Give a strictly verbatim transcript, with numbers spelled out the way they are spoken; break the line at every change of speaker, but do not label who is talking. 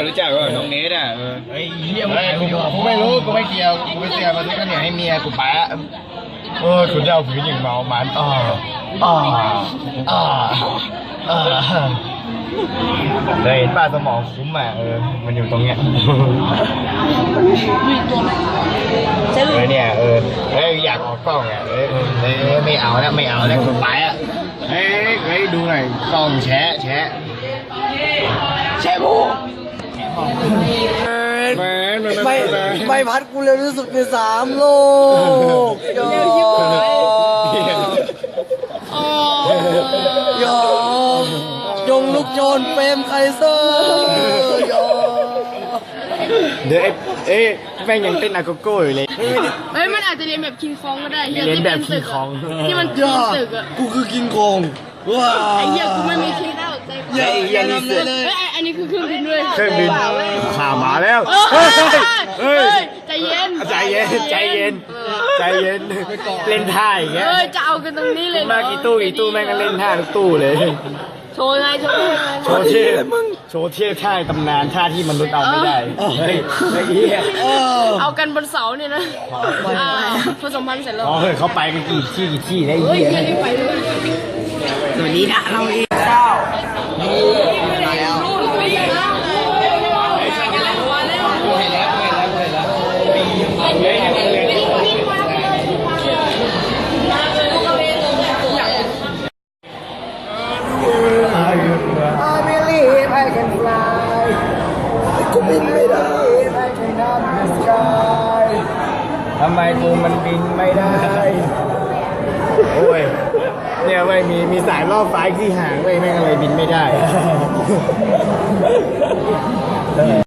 รู้จักว่าน้องเนทอ่ะเออ
เฮ้ยเฮียกูกูไม่รู้กูไม่เกี่ยวกูไม่เกี่ยวมาซื้อข้าวเหนียวให้เมียกูไปอ่ะเออคุณจะเอาผีหญิงเมามันอ๋ออ๋ออ๋ออ๋อเคยเห็นป้าสมองคุ้มอ่ะเออมันอยู่ตรงเนี้ยเออเนี่ยเออเฮ้ยอยากออกกล้องอ่ะเออเออไม่เอาแล้วไม่เอาแล้วกูไปอ่ะเฮ้ยเฮ้ยดูหน่อยกล้องแชะแชะแชะบูไม่ไม่พัดกูเร็วที่สุดในสามโลกเร็วที่สุดยอมยงลูกโจรเฟรมไคเซอร์ยอมเดี๋ยวเอ๊ะแม่งยังเต้นอาโกโก้อยู่เลย
เฮ้ยมันอาจจะเรียนแบบคิงคองก็ได้
เรียนแบบคิงคอง
ที่มันปีนตึกอ่ะ
กูคือคิงคองว้า
ไอ้เหี้ยกูไม่มีคิงแล้วใจกู
เหี้ยนี่เสือ
เฮ้ยอันนี้คือเครื่องบินด้วย
เครื่องบินข่ามาแล้ว
เฮ้ยใจเย็น
ใจเย็นใจเย็นใจเย็นเล่นท่าอย่างเงี้ย
เฮ้ยจะเอากันตรงนี้เลย
มากี่ตู้กี่ตู้แม่งก็เล่นท่าทุกตู้เลย
โชว์ไงโชว์
โชว์เท่โชว์เท่ท่าตำนานท่าที่มนุษย์เอาไม่ได้เฮ้ยไอ้เหี้ย
เอากันบนเสาเนี่ยนะผสมพันธุ์เสร็จแล้ว
อ๋อเฮ้ยเขาไปกันกี่ที่กี่ที่ได้
เฮ้ย
เหี้ย
ไม่ไปเลย
สวัสดีนะเราเองเจ้ามาแล้วทำไมกูมันบินไม่ได้โอ้ยเนี่ยไม่มีมีสายรอบฟ้าที่หางไว้แม่งอะไรบินไม่ได้